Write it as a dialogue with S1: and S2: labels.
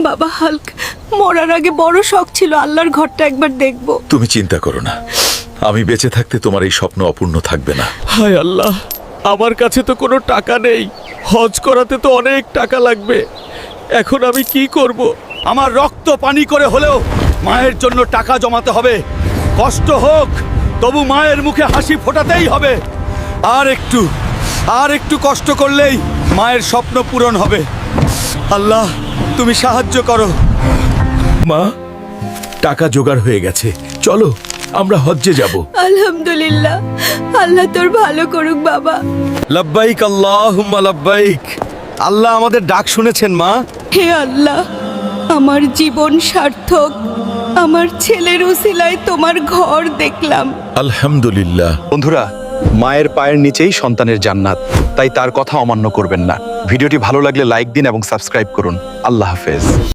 S1: বাবা হাল্ক, মরার আগে বড় শখ ছিল আল্লাহর ঘরটা একবার দেখব।
S2: তুমি চিন্তা করো না, আমি বেঁচে থাকতে তোমার এই স্বপ্ন অপূর্ণ থাকবে না।
S3: হায় আল্লাহ, আমার কাছে তো কোনো টাকা নেই। হজ করাতে তো অনেক টাকা লাগবে। এখন আমি কি করব?
S4: আমার রক্ত পানি করে হলেও মায়ের জন্য টাকা জমাতে হবে। কষ্ট হোক, তবু মায়ের মুখে হাসি ফোটাতেই হবে। আর একটু কষ্ট করলেই মায়ের স্বপ্ন পূরণ হবে। আল্লাহ, তুমি সাহায্য করো।
S3: মা, টাকা জোগাড় হয়ে গেছে, চলো আমরা হজ্জে যাব।
S1: আলহামদুলিল্লাহ, আল্লাহ তোর ভালো করুক বাবা।
S4: লাব্বাইক আল্লাহুম্মা লাব্বাইক। আল্লাহ আমাদের ডাক শুনেছেন মা।
S1: হে আল্লাহ, আমার জীবন সার্থক। আমার ছেলের উসিলায় তোমার ঘর দেখলাম।
S2: আলহামদুলিল্লাহ।
S5: বন্ধুরা, মায়ের পায়ের নিচেই সন্তানের জান্নাত, তাই তার কথা অমান্য করবেন না। ভিডিওটি ভালো লাগলে লাইক দিন এবং সাবস্ক্রাইব করুন। আল্লাহ হাফেজ।